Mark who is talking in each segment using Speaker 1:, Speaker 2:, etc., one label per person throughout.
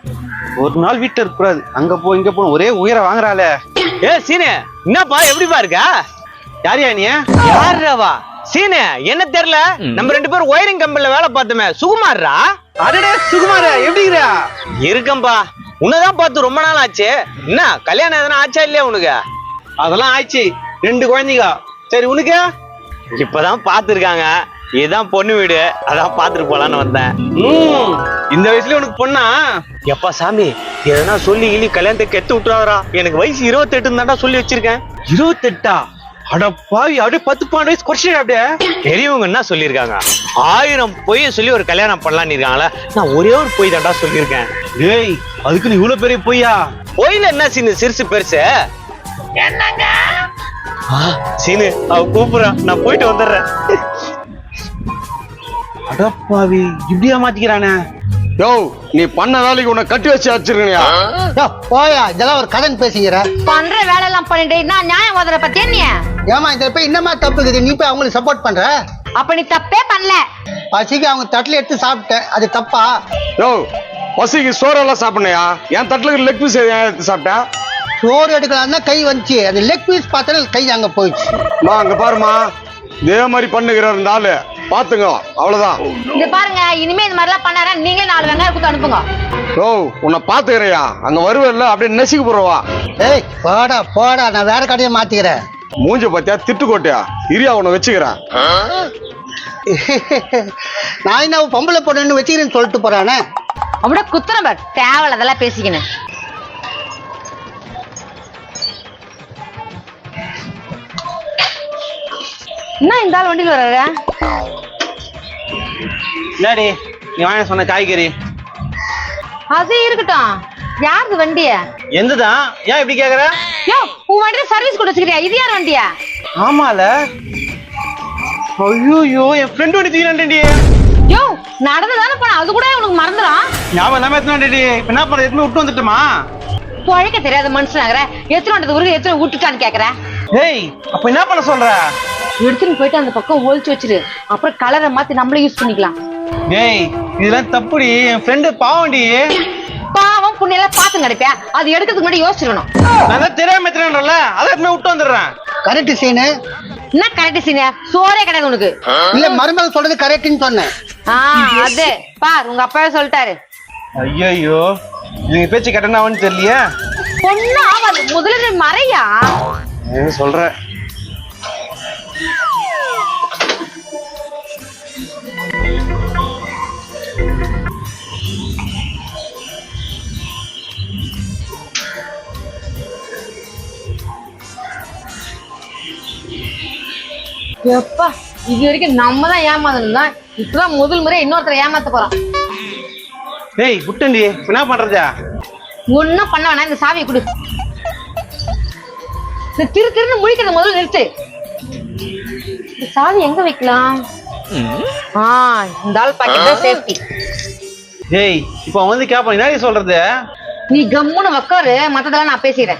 Speaker 1: ஒரு நாள் வீட்டுல இருக்க கூடாது, அங்க போ இங்க போ ஒரே உயிரை வாங்குறாளே.
Speaker 2: ஏ சீனு, என்னப்பா எப்படிப்பா இருக்க?
Speaker 1: யாரியா நீ?
Speaker 2: யாருவா சீனு? என்ன தெரியல, நம்ம 2 பேரும் ஒயரிங் கம்பெனில வேலை பார்த்தோமே, சுகுமார்ரா.
Speaker 1: அடடே சுகுமார, எப்படிங்கிறா?
Speaker 2: இருக்கம்பா, உன்னதான் பார்த்து ரொம்ப நாள் ஆச்சு. என்ன கல்யாணம் எதனா ஆச்சா இல்லையா உனக்கு?
Speaker 1: அதெல்லாம் ஆயிடுச்சு, 2 குழந்தைங்க. சரி உனக்கு?
Speaker 2: இப்பதான் பாத்துருக்காங்க, இதுதான் பொண்ணு வீடு, அதான் பாத்துட்டு போலான்னு வந்தேன்.
Speaker 1: இந்த வயசுல உனக்கு பொண்ணா?
Speaker 2: எப்பா சாமி, எதனா சொல்லி இனி கல்யாணத்தை கெத்து விட்டுறாரா? எனக்கு வயசு 28 தான்டா சொல்லி வச்சிருக்கேன்.
Speaker 1: 28? அட பாவி, அப்படியே 10-12 வயசு குறைச்சிட. அப்படியே
Speaker 2: பெரியவங்க என்ன சொல்லியிருக்காங்க, 1000 பொய்ய சொல்லி ஒரு கல்யாணம் பண்ணலான்னு இருக்காங்களா? நான் ஒரே ஒரு பொய் தான்டா சொல்லியிருக்கேன்.
Speaker 1: டேய், அதுக்கு நீ இவ்வளவு பெரிய பொய்யா?
Speaker 2: பொய்ல என்ன சீனு சிறுசு பெருசு? என்னங்க சீனு, அவ கூப்பிடுறான், நான் போயிட்டு வந்துடுறேன்.
Speaker 1: அடப்பாவி, இப்படியா மாத்திக்கிறானே?
Speaker 3: யோ, நீ பண்ண வேலைக்கு உன்னை கட்டி வச்சு அடிச்சிருக்கணியா?
Speaker 4: போயா, இதெல்லாம் ஒரு கடன் பேசிக்கிற.
Speaker 5: பண்ற வேலை எல்லாம் பண்ணிட்டு நான் நியாயம் ஓதுற பத்தி என்ன?
Speaker 4: ஏமா இந்த போய் இன்னமா தப்பு இருக்குது, நீ போய் அவங்களுக்கு சப்போர்ட் பண்ற?
Speaker 5: அப்ப நீ தப்பே பண்ணல.
Speaker 4: பசிக்கு அவங்க தட்டுல எடுத்து சாப்பிட்டேன், அது தப்பா?
Speaker 3: யோ, பசிக்கு சோறெல்லாம் சாப்பிடணையா? என் தட்டுல லெக் பீஸ் எடுத்து சாப்பிட்டேன்.
Speaker 4: சோறு எடுக்கலாம்னா கை வந்துச்சு, அந்த லெக் பீஸ் பார்த்தா கை அங்க போயிடுச்சு.
Speaker 3: அங்க பாருமா, இதே மாதிரி பண்ணுகிறார் இந்த ஆளு, பாத்துங்க. அவ்வளவுதான்.
Speaker 5: இது பாருங்க, இனிமே இந்த மாதிரி எல்லாம் பண்ணாரா நீங்களே 4 வெங்காயம் கொடுத்து அனுப்புங்க.
Speaker 3: யோ, உன்னை பாத்துக்கிறையா? அங்க வருவேல்ல, அப்படியே நெசிக்கு போறவா.
Speaker 4: ஏய் போடா போடா, நான் வேற கடையை மாத்திக்கிறேன்.
Speaker 3: மூஞ்ச பாத்தியா, திட்டுக்கோட்டையா? இரியா, உன்னை வச்சுக்கிறேன்.
Speaker 4: நான் என்ன பொம்பளை பொண்ணுன்னு வச்சுக்கிறேன்னு சொல்லிட்டு போறானே.
Speaker 5: அப்படியே குத்துறேன் பார், தேவையில்ல அதெல்லாம் பேசிக்கணும். என்ன இந்த ஆள் வண்டியில் வர்றாரு?
Speaker 1: இல்லாடி, நீ வாங்க சொன்ன காய்கறி.
Speaker 5: அது இருக்கட்டும், யாருது வண்டிய?
Speaker 1: எந்ததான்? ஏன் இப்படி கேக்குற?
Speaker 5: யோ, உன் வண்டியில சர்வீஸ் கூட வச்சுக்கிறியா? இது யார் வண்டியா?
Speaker 1: ஆமால. ஐயோ, என் ஃப்ரெண்ட் வண்டி தூக்கினாண்டி.
Speaker 5: யோ, நடந்துதானே போன, அது கூட உனக்கு மறந்துடும்.
Speaker 1: ஞாபகம் எல்லாமே எத்தனாண்டி? என்ன பண்ண, எத்தனை விட்டு வந்துட்டுமா?
Speaker 5: பழைக்க தெரியாத மனுஷனாகிற, எத்தனை வண்டது உருகு எத்தனை விட்டுட்டான்னு கேக்குற?
Speaker 1: ஏய், அப்ப என்ன பண்ண சொல்ற?
Speaker 5: எடுத்துன்னு போயிட்டு அந்த பக்கம் ஒழிச்சு வச்சிரு, அப்புறம் கலரை மாத்தி நம்மளே யூஸ் பண்ணிக்கலாம்.
Speaker 1: ஏய், இதெல்லாம் தப்புடி, என் ஃப்ரெண்டு பாவண்டி.
Speaker 5: பாவம் புண்ணியெல்லாம் பார்த்து கிடைப்பேன், அது எடுக்கிறதுக்கு முன்னாடி யோசிச்சிருக்கணும்.
Speaker 1: நான் தான் தெரியாம எத்தனைன்றல, அதை எப்பவுமே விட்டு வந்துடுறேன்.
Speaker 4: கரெக்ட் சீனு.
Speaker 5: என்ன கரெக்ட் சீனியா? சோறே கிடையாது உனக்கு.
Speaker 4: இல்ல, மருமகள் சொல்றது கரெக்ட்னு சொன்னேன்.
Speaker 5: அது பார், உங்க அப்பாவே சொல்லிட்டாரு.
Speaker 1: ஐயோ, நீங்க பேச்சு கட்டணாவன்னு தெரியலையே.
Speaker 5: பொண்ணு ஆவாது, முதல்ல நீ மறையா.
Speaker 1: சொல்ற.
Speaker 5: எப்பா, இது வரைக்கும் நம்ம தான் ஏமாந்தோம், இப்பதான் முதல் முறை இன்னொருத்தரை ஏமாத்த போறோம்.
Speaker 1: ஏய் குட்டண்டி, என்ன பண்றதா?
Speaker 5: ஒன்னும் பண்ண வேணாம், இந்த சாவியை கொடு. இந்த திருன்னு முழிக்கிறத முதல்ல நிறுத்து. இந்த சாவி எங்க வைக்கலாம்? இந்த ஆள் பாக்கெட் தான் சேஃப்டி.
Speaker 1: ஏய், இப்ப வந்து கேப்ப, என்ன சொல்றது?
Speaker 5: நீ கம்முன்னு உக்காரு, மத்ததெல்லாம் நான் பேசிக்கிறேன்.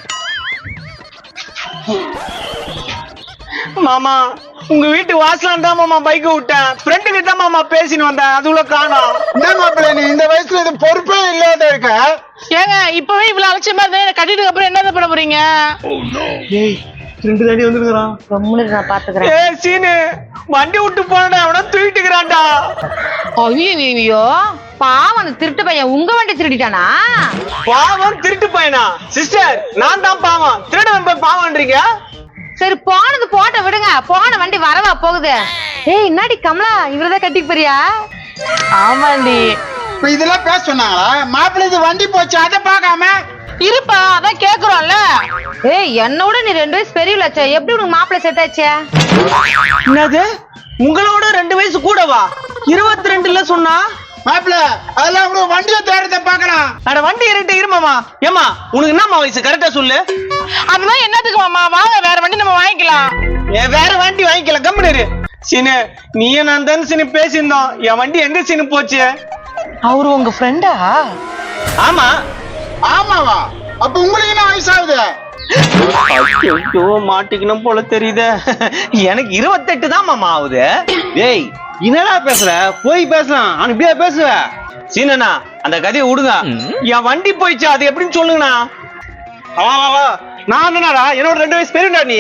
Speaker 2: மாமா, உங்க வீட்டு வாசலாம் தான் மாமா பைக் விட்டேன், ஃப்ரெண்டு கிட்ட மாமா பேசின்னு வந்தேன், அதுக்குள்ள காணோம்.
Speaker 4: என்ன மாப்பிள்ள, நீ இந்த வயசுல இது பொறுப்பே இல்லாத இருக்க.
Speaker 6: ஏங்க, இப்பவே இவ்வளவு அலட்சியமா இருந்தா கட்டிட்டு அப்புறம் என்ன பண்ண போறீங்க?
Speaker 1: ஏய், ஃப்ரெண்டு தாண்டி வந்துருக்கான்.
Speaker 5: கம்முன்னு நான் பாத்துக்கிறேன்.
Speaker 2: ஏ சீனு, வண்டி விட்டு போனடா, அவன தூக்கிட்டுக்கிறான்டா.
Speaker 5: ஐயோ, பாவம் அந்த திருட்டு பையன் உங்க வண்டி திருடிட்டானா?
Speaker 2: பாவம் திருட்டு பையனா? சிஸ்டர், நான் தான் பாவம், திருடன் போய் பாவம்ன்றீங்க.
Speaker 5: சரி, போனது போட்ட விடுங்க, போன வண்டி வரவா போகுது. ஏய், என்னடி கமலா, இவரதான் கட்டிக்கு போறியா?
Speaker 6: ஆமாண்டி.
Speaker 4: இப்ப இதெல்லாம் பேச சொன்னாங்களா? மாப்பிள்ள இது வண்டி போச்சு, அதை பார்க்காம
Speaker 6: இருப்பா, அதான் கேக்குறோம்ல.
Speaker 5: ஏய், என்னோட நீ 2 வயசு பெரியவளாச்சே, எப்படி உனக்கு மாப்பிள்ளை செட்டாச்சே?
Speaker 2: என்னது, உங்களோட 2 வயசு கூடவா? 22ல சொன்னா
Speaker 4: மாப்பிள்ள, அதெல்லாம் கூட வண்டியை தேடுறத பாக்கலாம்.
Speaker 2: அட வண்டி இருட்டு இருமாமா. ஏமா, உனக்கு என்னம்மா வயசு கரெக்டா சொல்லு.
Speaker 6: அதெல்லாம் என்னத்துக்கு மாமா, வாங்க வேற வண்டி நம்ம வாங்கிக்கலாம்.
Speaker 2: வேற வண்டி வாங்கிக்கல, கம்முனு. சீனு, நீயும் நான் தானே சீனு பேசியிருந்தோம், என் வண்டி எங்க சீனு போச்சு?
Speaker 6: அவரு உங்க ஃப்ரெண்டா?
Speaker 2: ஆமா.
Speaker 4: ஆமாவா? அப்ப உங்களுக்கு என்ன வயசாகுது?
Speaker 2: ஐயோ, மாட்டிக்கணும் போல தெரியுது. எனக்கு 28 தான் மாமா ஆகுது.
Speaker 1: ஏய், என்னடா பேசுற? போய் பேசலாம், ஆனா இப்படியா பேசுவ?
Speaker 2: சீனண்ணா, அந்த கதையை விடுங்க. என் வண்டி போயிடுச்சு, அது எப்படின்னு சொல்லுங்கண்ணா.
Speaker 1: வா நான் என்னடா என்னோட 2 வயசு பெரியடா நீ.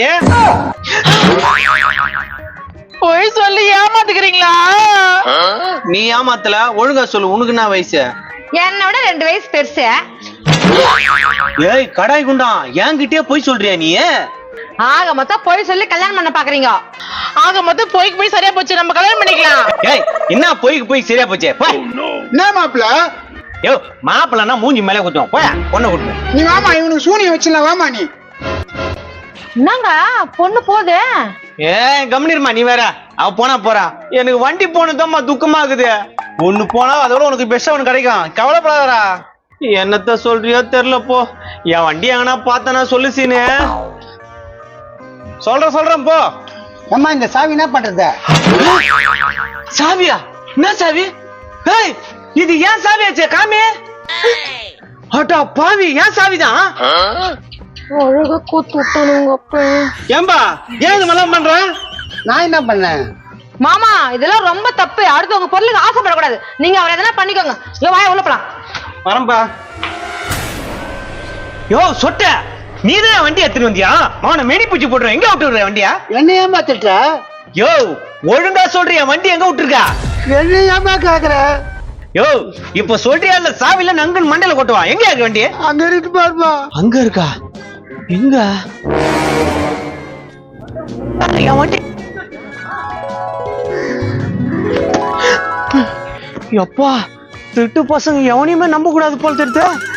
Speaker 6: போய் சொல்லி ஏமாத்துக்கிறீங்களா?
Speaker 2: நீ ஏமாத்தல, ஒழுங்கா சொல்லு. உனக்கு என்ன வயசு?
Speaker 5: என்னை விட 2 வயசு பெருசு.
Speaker 2: ஏய் கடாய் குண்டா, என்கிட்டயே போய் சொல்றியா நீ?
Speaker 5: ஆக மொத்தம் போய் சொல்லி கல்யாணம் பண்ண பாக்குறீங்க.
Speaker 6: ஆக மொத்தம் போய்க்கு போய் சரியா போச்சு, நம்ம கல்யாணம் பண்ணிக்கலாம்.
Speaker 2: ஏய் என்ன போய்க்கு போய் சரியா போச்சே? போய்.
Speaker 4: என்ன மாப்பிள்ள
Speaker 2: யோ மாப்பிள்ளனா மூஞ்சி மேலே குத்துவோம். போய் பொண்ணை கூட்டு.
Speaker 4: நீ வாமா, இவனுக்கு சூனியம் வச்சிடலாம், வாமா நீ.
Speaker 5: என்னங்க பொண்ணு போகுது?
Speaker 2: ஏய் கம்னிருமா, நீ வேற. அவ போனா போறா, எனக்கு வண்டி போனதும்மா துக்கமா இருக்குது.
Speaker 1: ஒண்ணு போனா அதோட உனக்கு பெஸ்டா ஒண்ணு கிடைக்கும், கவலைப்படாதடா.
Speaker 2: என்னத்த சொல்றியோ தெரியல போ. என் வண்டி எங்கன்னா பார்த்தனா சொல்லு சீனு.
Speaker 1: சொல்றேன் போ.
Speaker 4: அம்மா இந்த சாவி என்ன பண்றது?
Speaker 2: சாவியா? என்ன சாவி? ஏய் இது ஏன் சாவியாச்சே? காமி. அட்டா பாவி, ஏன் சாவிதான்?
Speaker 5: ஒழுங்கா கூத்து விட்டானுங்க அப்ப.
Speaker 1: ஏம்பா ஏன் இது மாதிரிலாம் பண்ற?
Speaker 4: நான் என்ன பண்ணேன்?
Speaker 5: மாமா இதெல்லாம் ரொம்ப தப்பு. அடுத்தவங்க பொருளுக்கு ஆசைப்படக்கூடாது. நீங்க அவரை எதனா பண்ணிக்கோங்க. ஐயோ வாய உள்ள போலாம்.
Speaker 1: வரம்பா.
Speaker 2: யோ சொட்ட, நீதான் வண்டி எடுத்துட்டு வந்தியா? அவனை மெடி பூச்சி போட்டுருவேன். எங்க விட்டு விடுற வண்டியா?
Speaker 4: என்ன ஏமாத்திட்ட?
Speaker 2: யோ ஒழுங்கா சொல்றியா, வண்டி எங்க விட்டுருக்கா?
Speaker 4: என்ன ஏமா கேக்குற?
Speaker 2: யோ இப்ப சொல்றியா இல்ல சாவில நங்கன் மண்டையில கொட்டுவா? எங்க இருக்கு வண்டி?
Speaker 4: அங்க இருக்கு பாருமா.
Speaker 2: அங்க இருக்கா? எங்க என் வண்டி? எப்பா திருட்டு பசங்க எவனையுமே நம்ப கூடாது போல தெரியுது.